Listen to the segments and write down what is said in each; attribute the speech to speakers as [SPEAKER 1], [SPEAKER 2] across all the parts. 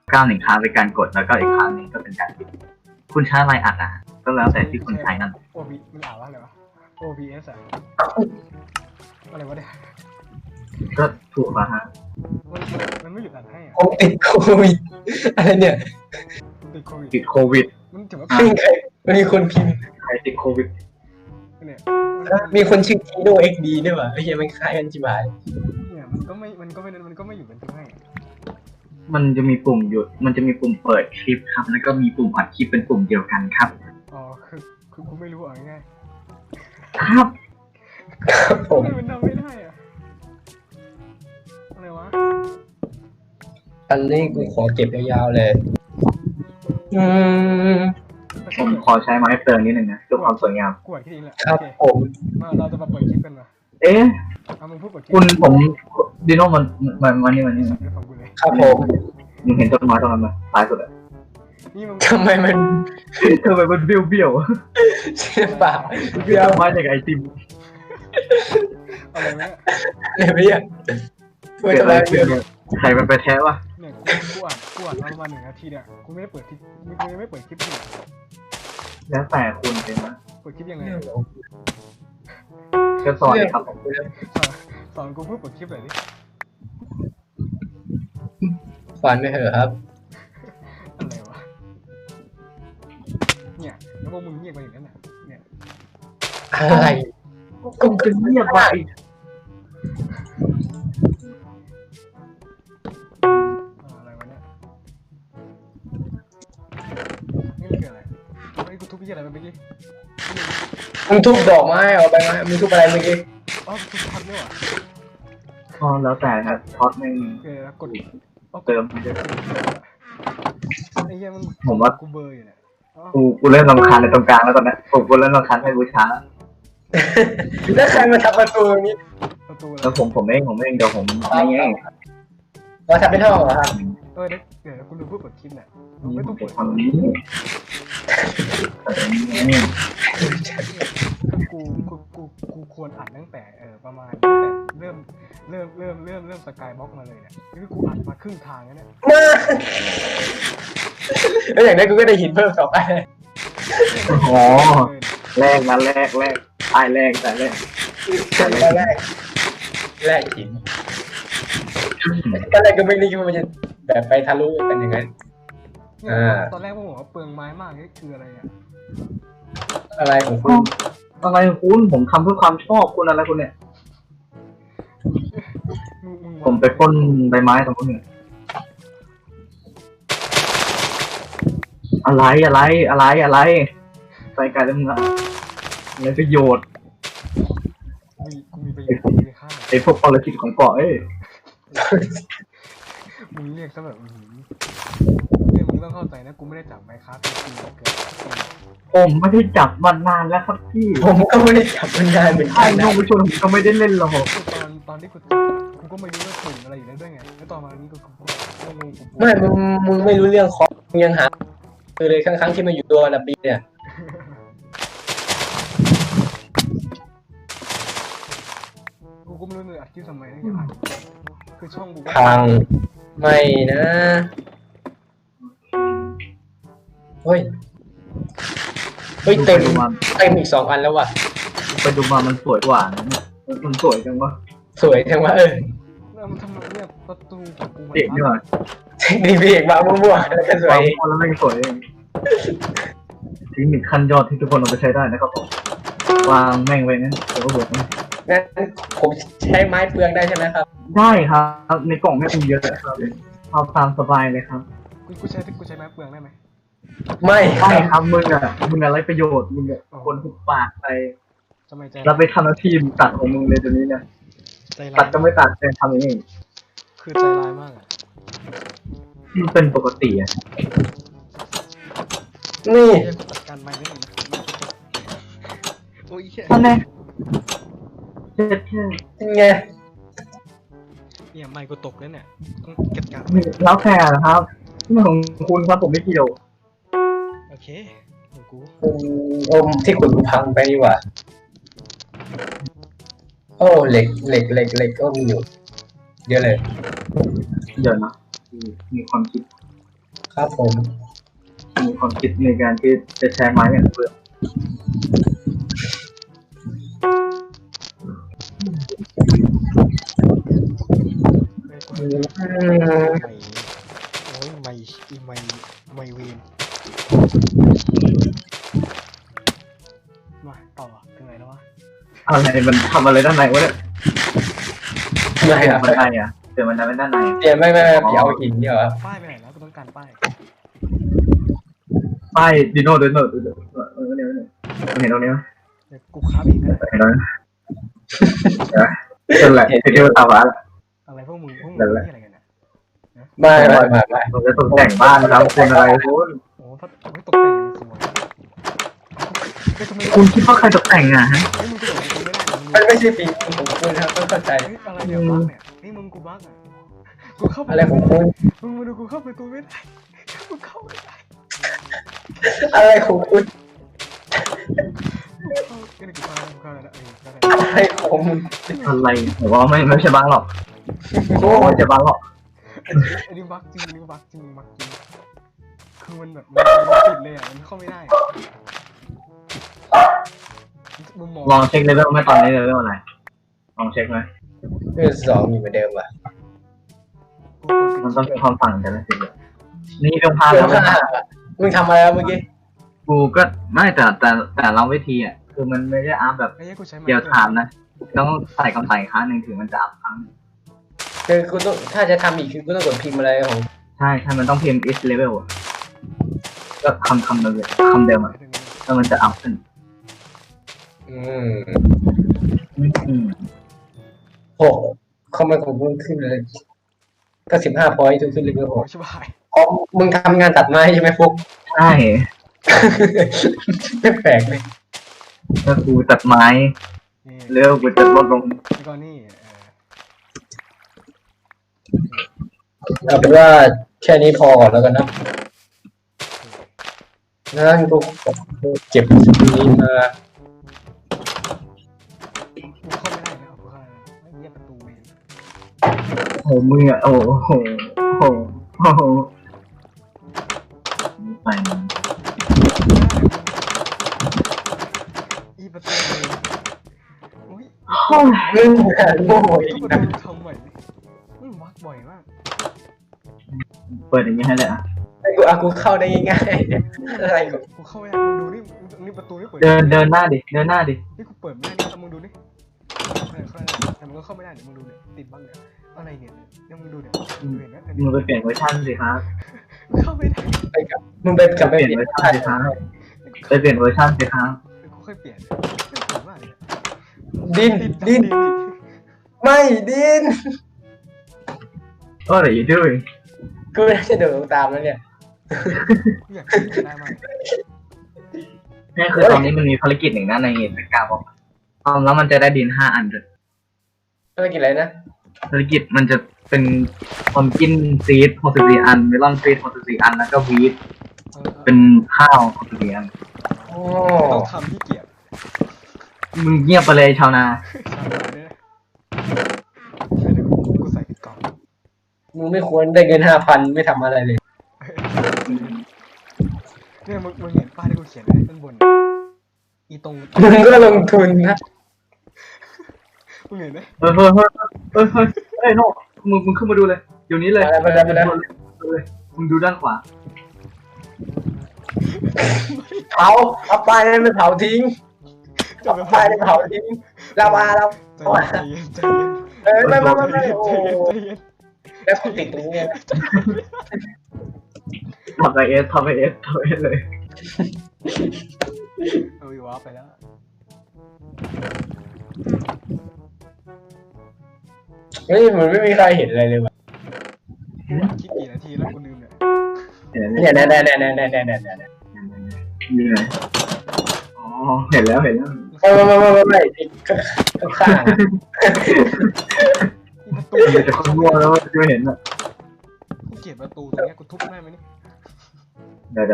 [SPEAKER 1] ก้าวหนึ่งครั้งเป็นการกดแล้วก็อีกครั้งหนึ่งก็เป็นการปิดคุณใช้อะไรอัดอ่ะก็แล้วแต่ที่คุณใช้นั่น
[SPEAKER 2] OB มันอ่านว่าอะไรวะ OBS อะอะไรวะเนี่ย
[SPEAKER 1] ก็ถูกแล้วฮะ
[SPEAKER 2] มันไม่หยุดอ่านให้อะ
[SPEAKER 3] ผมติดโควิดอะไรเนี่ย
[SPEAKER 2] ติดโควิด
[SPEAKER 1] ติดโควิด
[SPEAKER 2] มันถือว่า
[SPEAKER 3] ไม่มีใครไม่มีคนพิมพ์
[SPEAKER 1] ใครติดโควิด
[SPEAKER 2] เนี่ย
[SPEAKER 3] มีคนชื่อทีโนเอ็กดีด้วยว่ะไอ้เหี้ยมันคล้ายกันจิบหาย
[SPEAKER 2] เนี่ยมันก็ไม่อยู่เป็นที่ให้
[SPEAKER 1] มันจะมีปุ่มหยุดมันจะมีปุ่มเปิดคลิปครับแล้วก็มีปุ่มอัดคลิปเป็นปุ่มเดียวกันครับ
[SPEAKER 2] อ๋อคือกูไม่รู้อ่ะง่าย
[SPEAKER 1] ครับ
[SPEAKER 3] ครับผม
[SPEAKER 2] มันทำไม่ได้อะอะไรวะ
[SPEAKER 3] อันนี้กูขอเก็บยาวๆเลยอืม
[SPEAKER 1] ผมขอใช้ไม้เปลืองนิดนึงนะเพื่อความสวยงาม
[SPEAKER 2] กวดแค่นี้แหละ
[SPEAKER 3] ครับ
[SPEAKER 2] โอเค
[SPEAKER 3] ผม
[SPEAKER 2] มาเราจะมาเปิดคลิปกันมา
[SPEAKER 1] เอ๊ะ
[SPEAKER 2] เอามึงพูดเปิดคลิป
[SPEAKER 1] คุณผมดิโน่มันนี่
[SPEAKER 2] เดี๋ยวฟังกูเลย
[SPEAKER 3] ครับผม
[SPEAKER 1] มึงเห็นต้นไม้ตรงนั้นไหมซ้ายสุดอะ
[SPEAKER 2] นี่มึง
[SPEAKER 3] ทำไมมัน
[SPEAKER 1] ทำไมมันเบี้ยว
[SPEAKER 3] ใช่เปล่า
[SPEAKER 1] ๆเบี้ยวไม้จากไอติม
[SPEAKER 2] อะไรวะ
[SPEAKER 3] เนี่ยไม่เนี่ยไม่ทำไมเดี๋ยว
[SPEAKER 1] ใครมันไปแท้วะ
[SPEAKER 2] เนี่ยกูอ่านมาประมาณ1 นาทีเนี่ยกูไม่ได้เปิดคลิปกูยังไม่เปิดคลิปเลย
[SPEAKER 1] แล้วแต่คุณเป็นนะ
[SPEAKER 2] เปิดคลิปยังไง
[SPEAKER 1] ก็สอนเลยครับผม
[SPEAKER 2] สอนกูพูดเปิดคลิปหน่อยดิ
[SPEAKER 3] ฝันไปเถอะครับ
[SPEAKER 2] อะไรวะเนี่ยแล้วพวกมึงเงียบไปอย่างนั้นน่ะเนี่ย
[SPEAKER 3] อะไร
[SPEAKER 1] ก็จะเงียบไป
[SPEAKER 2] อะไรวะเนี่ยนี่มันคืออะไรไอ้กูทุบยี่อะไรไปเมื่อกี้
[SPEAKER 3] มึงทุบดอกไม้เอาไปไหมมึงทุบอะไรเมื่อกี้
[SPEAKER 2] อ๋อทุบพัดด้วยว่ะ
[SPEAKER 1] อ๋อแล้วแต่ครับท็อตไม่
[SPEAKER 2] โอเคแล้วกดเอา
[SPEAKER 1] เติมไม่ได้
[SPEAKER 2] ไอ้เหี้ยมัน
[SPEAKER 1] ผมว่า
[SPEAKER 2] กูเบอร์อยู่เนี่ยอ๋อ
[SPEAKER 1] กูเริ่มรำคาญในตรงกลางแล้วตอนนี้ผมเริ่มรำคาญให้บูชา
[SPEAKER 3] แล้วใครมาทำประตูตรงนี้
[SPEAKER 2] ประตูอะไร
[SPEAKER 1] แล้วผมเองเดี๋ยวผมไม่แง่
[SPEAKER 3] ว่าทำเป็นห้องเหรอครับ
[SPEAKER 2] เดี๋ยวกูลืมพูดเปิดคลิปเนี่ย
[SPEAKER 1] นี่
[SPEAKER 2] ไม่
[SPEAKER 1] ผ
[SPEAKER 2] ต้อ
[SPEAKER 1] ม
[SPEAKER 2] ง
[SPEAKER 1] เป็
[SPEAKER 2] เปิ
[SPEAKER 1] น
[SPEAKER 2] ด
[SPEAKER 1] คนนี้
[SPEAKER 2] กูควรอ่านตั้งแต่ประมาณตั้งแต่เริ่มสกายบล็อกมาเลยเนี่ยนี่กูอ่านมาครึ่งทางแล้วเนี่ย
[SPEAKER 3] มาแล้วอย่างนั้นกูก็ได้หินเพิ่ม2 อัน
[SPEAKER 1] อ๋อแรกนะแรกตายแรกแต่แรก
[SPEAKER 3] แรกหินตอนแรกก็ไม่ได้คิดว่ามันจะแบบไปทะลุกันอย่างนั้น
[SPEAKER 2] ตอนแรกผมบอกว่าเปลืองไม้มากนี่คืออะไรอ่ะ
[SPEAKER 3] อะไรของคุณ
[SPEAKER 1] อะไรคุณผมทำเพื่อความชอบคุณอะไรคุณเนี่ยผมไปพ่นใบไม้ตรงนู้นเนี่ยอะไรใส่ไก่แล้วมึงอะอะไรประโยชน์
[SPEAKER 2] กูมีประโยชน์มีค่า
[SPEAKER 1] ไอพวกปรสิตของเกาะเอ้ย
[SPEAKER 2] มึงเรียกซะแบบเนี่ยมึงต้องเข้าใจนะกูไม่ได้จับไมค์ครับเป็นปีเกิด
[SPEAKER 1] ผมไม่ได้จับมานานแล้วครับพี่
[SPEAKER 3] ผมก็ไม่ได้จับมันได้เหมือน
[SPEAKER 1] ไอ้
[SPEAKER 3] กัน
[SPEAKER 1] น้
[SPEAKER 3] นะ
[SPEAKER 1] องผู้ชมผมก็ไม่ได้เล่นหรอก
[SPEAKER 2] ตอนที่กูก็ไม่รู้ว่าถุงอะไรอยู่แล้วด้วยไงแล้วตอนมานี้กูงง
[SPEAKER 3] ไม่มึงไม่รู้เรื่องคอมมึงยังหาเลยครั้งที่มาอยู่ตัวระบีเนี่ย
[SPEAKER 2] กูก็ไม่รู้เลยอัดคลิปทำไมนี่อ่านคือช่องกู
[SPEAKER 3] พังไม่นะเฮ้ยเต็มอีก2 อันแล้วว่ะ
[SPEAKER 1] ไปดูมามันสวยกว่านะเนี่ยมันสวยจังวะ
[SPEAKER 3] สวยจังวะ
[SPEAKER 2] แล้วมันทำไมเนี่ยประตูของกูมัน
[SPEAKER 1] เด็กนี่หว่า
[SPEAKER 3] เทคนิคเอกมามั่วๆแล้วก็สว
[SPEAKER 1] วาย งพอแล้วไม่สวยเองเทคนิคขั้นยอดที่ทุกคนเอาไปใช้ได้นะครับผมวางแม่งไว้งั้นเดี๋ยวก็เบิดมัน
[SPEAKER 3] งั้นผมใช้ไม้เปลืองได้ใช่ไหมครับ
[SPEAKER 1] ได้ครับในกล่องไม่มีเยอะครับเอาตามสบายเลยครับ
[SPEAKER 2] กูใช้ไม้เปลืองได้ไหม
[SPEAKER 3] ไม่
[SPEAKER 1] ได้ครับมึงอะไรประโยชน์มึงอะคนหุบปากไป
[SPEAKER 2] ทำไมใจ
[SPEAKER 1] เราไปทำหน้าที่ตัดของมึงเลยตัวนี้เนี่ย
[SPEAKER 2] ใจร้า
[SPEAKER 1] ตั
[SPEAKER 2] ย
[SPEAKER 1] ดก็ไม่ตัดแต่ทำอย่างนี้
[SPEAKER 2] คือใจร้ายมากอ่ะ
[SPEAKER 1] มันเป็นปกติอ่ะ
[SPEAKER 3] นี่
[SPEAKER 2] เรียกจัดการไม้ได้ไหมโอ้ยแค่
[SPEAKER 1] นั่นแน่เจ็ดแค่
[SPEAKER 3] เป็นไง
[SPEAKER 2] เนี่ยไม้กูตกแล้วเนี่ยต้องจัดการ
[SPEAKER 1] แล้วแต่นะครับเรื่องของคุณครับผมไม่เกี่ยว
[SPEAKER 2] โอเคของกู
[SPEAKER 3] อมที่ขุดกูพังไปดีกว่า โอ้เหล็กก็มีอยู่เยอะเลย
[SPEAKER 1] เดี๋ยวนะมีความคิด
[SPEAKER 3] ครับผม
[SPEAKER 1] มีความคิดในการที่จะใช้ไม้อย่างเพื่อ
[SPEAKER 2] เฮ้ยกู
[SPEAKER 3] อืม
[SPEAKER 2] ไม่โอ้ยไม่เวนมาต่อถึงไหนแล้ววะ
[SPEAKER 1] อะไรมันทำอะไรด้านในวะเนี่ย
[SPEAKER 3] ไม่
[SPEAKER 1] เปลี่ย
[SPEAKER 3] อะ
[SPEAKER 1] นบันไดอ่ะเปลี่ยนบันไดเป็นด้านใน
[SPEAKER 3] เปลี่ยนไม่เปลี่ยนเอาหินเดียวอะ
[SPEAKER 2] ป้ายไปไหนแล้วกูต้องการป้าย
[SPEAKER 1] ป้ายดิโน่เนี่ยเห็นตรงนี้ไหม
[SPEAKER 2] เดี๋ยวกูค้าบเองก็ได้
[SPEAKER 1] เห็นตรงนี้นั่นแหละที่เราทำอะ
[SPEAKER 2] อะไรพวกมึงที่อะไรกันเนี่ย
[SPEAKER 3] ไม่
[SPEAKER 1] ผมจะตกแต่งบ้านครับคุณอะไรคุณ
[SPEAKER 2] โอ้ถ้าไม่ตกแต่งสวยเฮ้ยทำไม
[SPEAKER 1] คุณคิดว่าใครตกแต่งอ่ะฮะ
[SPEAKER 2] เฮ้ยมึงกูบอกกูไม่ได้
[SPEAKER 3] มันไม่ใช่ปีของคุณครับต้องเข้าใจ
[SPEAKER 2] เฮ้ยอะไรเนี่ยบั๊กเนี่ยนี่มึงกูบั๊กอ่ะกูเข้า
[SPEAKER 3] อะไรของคุณ
[SPEAKER 2] มึงมาดูกูเข้าประตูไม่ได้กูเข้าไม่ได้
[SPEAKER 3] อะไรของคุณ
[SPEAKER 2] เข้าเอ้ยกูเข้าแล้วเข้าแล้ว
[SPEAKER 3] อะไรของมึง
[SPEAKER 1] อะไรผมว่าไม่ใช่บ้านหรอกโอ้ไม่ใช่บ้านหรอก
[SPEAKER 2] อันนี้บั๊กจริงอันนี้บั๊กจริงบั๊กจริงคือมันแบบมันติดเลยอ่ะมันเข้าไม่ได้มึงมอง
[SPEAKER 1] ลองเช็คเลเวลไหมตอนนี้เลเวลอะไรลองเช็คไหม
[SPEAKER 3] เรื่องสองอยู่เหมือนเดิมอ่ะ
[SPEAKER 1] มันต้องเป็นความฝังกันนะสินี่เป็นภาพ
[SPEAKER 3] เรื่
[SPEAKER 1] แล้
[SPEAKER 3] อง
[SPEAKER 1] ว
[SPEAKER 3] ห้ามึงทำอะไรแล้วเมื่อกี้
[SPEAKER 1] กูก็ไม่แต่เราวิธีอ่ะคือมันไม่ได้อัพแบบ
[SPEAKER 2] ไอ้ยัยกูใช้
[SPEAKER 1] เดียวถามนะต้องใส่คำสั่งอีกครั้งหนึ่งถึงมันจะอัพครั้ง
[SPEAKER 3] คือกูต้องถ้าจะทำอีกคือกูต้องกดพิมพ์อะไรของ
[SPEAKER 1] ใช่มันต้องพิมพ์ is level อะก็คำเดิมอ่ะแล้วมันจะอัพขึ้น
[SPEAKER 3] อืม
[SPEAKER 1] อืม
[SPEAKER 3] หกเข้ามาของมึงขึ้นเลยก็15 พอยต์ขึ้นเลยก็หก
[SPEAKER 2] ชิบหาย
[SPEAKER 3] อ๋อมึงทำงานตัดไม้ใช่ไหมฟุก
[SPEAKER 1] ใช่
[SPEAKER 3] ไม่แปลกเลย
[SPEAKER 1] ถ้ากูตัดไม้
[SPEAKER 2] นี่
[SPEAKER 1] เร็วกูจะลดลง
[SPEAKER 2] แล้วก็นี่
[SPEAKER 3] เอาเป็นว่าแค่นี้พอก่อนแล้วกันนะงั้นกูเก็บนี้มา
[SPEAKER 2] กูเข้าไม่ได้แล้วกูเข้าไม่เงียบประตูเอง
[SPEAKER 1] โอ้มึงอ่ะโอ้โหไป
[SPEAKER 2] อีประตูเองอุ้ย
[SPEAKER 1] ห้อง
[SPEAKER 3] มึงโง่อี
[SPEAKER 2] ทุก
[SPEAKER 3] ก
[SPEAKER 2] ประ
[SPEAKER 3] นะ
[SPEAKER 2] ตูทำใหม่วักบ่อยมาก
[SPEAKER 1] เปิดอย่างนี้ให้เลยอ่ะ
[SPEAKER 3] กูเข้าได้ง่ายๆอะไรของ
[SPEAKER 2] กูเข้าไม่ได้มึงดูนี่ประตูนี่เปิด
[SPEAKER 1] เดินหน้าดิ
[SPEAKER 2] นี่กูเปิดไม่ได้นี่มึงดูนี่แต่มึงก็เข้าไม่ได้เดี๋ยวมึงดูเนี่ยติดบ้างเนี่ยอะไรเนี่ยเนี่ยมึงดูเนี่ยมึงเห็นไหม
[SPEAKER 1] มึงไปเปลี่ยนเวอร์ชันสิครับ
[SPEAKER 2] เข้าไม่ได้
[SPEAKER 3] ไปกับมึงไปกับ
[SPEAKER 1] เปลี่ยนเวอร์ชันสิครับไปเปลี่ยนเวอร์ชันสิครับ
[SPEAKER 2] กูค่อยเปลี่ยนไม่ถูกมากเลย
[SPEAKER 3] ดินไม่ดิน
[SPEAKER 1] What are you doing
[SPEAKER 3] กูไม่น่าจะเดินตามแล้วเนี่ย
[SPEAKER 2] กูอยากได้มาก
[SPEAKER 1] นี่คือตอนนี้มันมีภารกิจหนึ่งนะในเมกาบอกทำแล้วมันจะได้ดิน5 อันด้วย
[SPEAKER 3] ธุรกิจอะไรนะ
[SPEAKER 1] ภารกิจมันจะเป็นพอมกินซีด64 อันเมลอนซีด64 อันแล้วก็วีทเป็นข้าว64 อัน
[SPEAKER 3] โอ้
[SPEAKER 2] ต้องทำที่เกียร
[SPEAKER 1] มึงเงียบไปเลยชาวนา
[SPEAKER 2] ชาเนี่ยกูใส่กล่อง
[SPEAKER 3] มึงไม่ควรได้เงิน5,000ไม่ทำอะไรเลย
[SPEAKER 2] เนี่ยมึงเห็นป้ายที่กูเขียนไว้ด้านบนอีตรง
[SPEAKER 3] มึงก็ลงทุนนะ
[SPEAKER 2] มึงเห็นไหม
[SPEAKER 1] เฮ้ยโน่มึงขึ้นมาดูเลยเดี๋ยวนี้เลย
[SPEAKER 3] ไปแล้ว
[SPEAKER 1] มึงดูด้านขวา
[SPEAKER 3] เผาเอาป้ายนั้นไปเผาทิ้ง
[SPEAKER 2] จบ
[SPEAKER 3] เอาป้ายนั้นไปเผาทิ้งลาวาแล้ว
[SPEAKER 2] ใจเย็นใจเย็น
[SPEAKER 3] ไม่โอ้
[SPEAKER 2] ใจเย็น
[SPEAKER 3] แล้วกูติดตรงนี้
[SPEAKER 1] ทำไอเอสเลย
[SPEAKER 2] เอาอีวาไปแล้ว
[SPEAKER 3] เฮ้ยมันไม่มีใครเห็นอะไรเลยว่ะ
[SPEAKER 2] คิดกี่นาทีแล้วกูลืมเนี่ย
[SPEAKER 3] เนี่ยเนี่ย
[SPEAKER 1] นี่ไงอ๋อเห็นแล้ว
[SPEAKER 3] ไม่ข้าง
[SPEAKER 2] ประตู
[SPEAKER 1] เดี๋ยวจะคนมั่วแล้วจะไม่เห็นอ่ะ
[SPEAKER 2] กูเกลียดประตูตรงนี้กูทุบแม่ไหมนี่
[SPEAKER 1] เดี๋ยว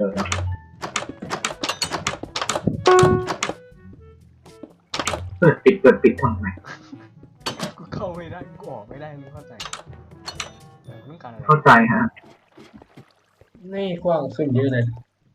[SPEAKER 1] เปิดปิดทำไม
[SPEAKER 2] กูเข้าไม่ได้กูออกไม่ได้มึงเข้าใจต้องการอะไร
[SPEAKER 1] เข้าใจฮะ
[SPEAKER 3] นี่กว้างขึ้นเยอะเลย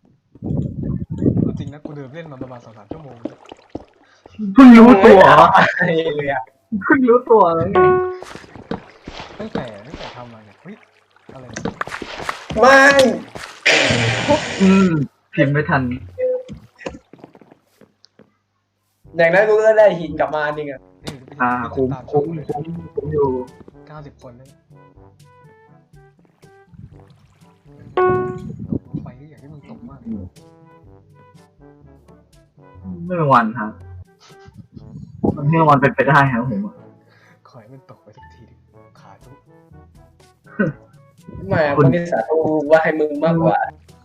[SPEAKER 2] จริงนะกูเดินเล่นมาประมาณ2-3 ชั่วโมง
[SPEAKER 1] เพิ่งรู้ตัว
[SPEAKER 3] อะไรเลยอ่ะ
[SPEAKER 1] เพิ่งรู้ตัวแล้วไง
[SPEAKER 2] ตั้งแต่ทำมาเนี่ยเฮ้ยอะไรเนี่ย
[SPEAKER 3] ไม่
[SPEAKER 1] พิมพ์ไม่ทัน
[SPEAKER 3] อย่างนั้นกูก็ได้หินกลับมาจริงอ่ะ
[SPEAKER 2] เอ้ย
[SPEAKER 1] คุ้ม
[SPEAKER 2] ตามช่อ
[SPEAKER 1] คุ้
[SPEAKER 2] ง
[SPEAKER 1] ม
[SPEAKER 2] เลย
[SPEAKER 1] คุ้มอยู่
[SPEAKER 2] 90 คนเลยไฟที่อย่างที่มึงตกมาก
[SPEAKER 1] ไม่เป็นวันครับมันไม่เป็นวันเป็นไปได้ครับผม
[SPEAKER 2] ขอให้มันตกไปสักทีดิขาทุก
[SPEAKER 3] ไม่คนที่สาธุว่าให้มึงมากกว่า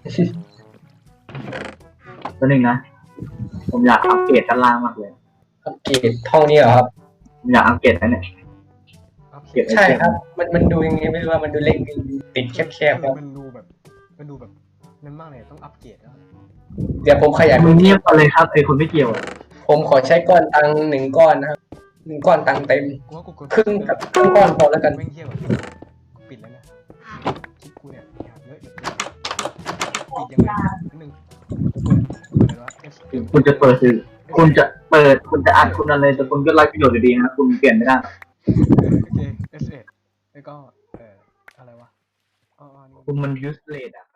[SPEAKER 1] ตัวหนึ่งนะ ผมอยากอัปเกรดด้านล่างมากเลย
[SPEAKER 3] อัปเกรดห้องนี้เหรอครับ
[SPEAKER 1] ผมอยากอัปเกรดอันเนี้ย
[SPEAKER 2] อัพ
[SPEAKER 1] เก็บไว้
[SPEAKER 3] ใช่ครับ มันดูยังไงไม่รู้ว่ามันดูเล็กติดแคบๆครับ
[SPEAKER 2] มันดูแบบนั่นมากเลยต้องอัปเกรดแล้ว
[SPEAKER 3] เดี๋ยวผมขยาย
[SPEAKER 1] มึ
[SPEAKER 3] พื้
[SPEAKER 1] ง
[SPEAKER 3] นที่
[SPEAKER 1] เงียบไปเลยครับคุณไม่เกี่ยวอะ
[SPEAKER 3] ผมขอใช้ก้อนตังค์1 ก้อนนะครับ1 ก้อนตังค์เต็ม
[SPEAKER 2] กูว่ากูกด
[SPEAKER 3] ครึ่งก้อนพอแล้วกัน
[SPEAKER 2] แม่งเที่ยแบบกูปิดแล้วนะคลิปกูเนี่ยอยากเยอะปิดยังไงนิดนึงเปิดอะไรวะ
[SPEAKER 1] คุณจะเปิดสื่อคุณจะอัดคุณอะไรแต่คุณก็ไร้ประโยชน์อยู่ดีนะคุณเปลี่ยนไม่ได้
[SPEAKER 2] โอเค S8 แล้วก็อะไรวะอ๋อนี่
[SPEAKER 1] คุณมัน useless อะ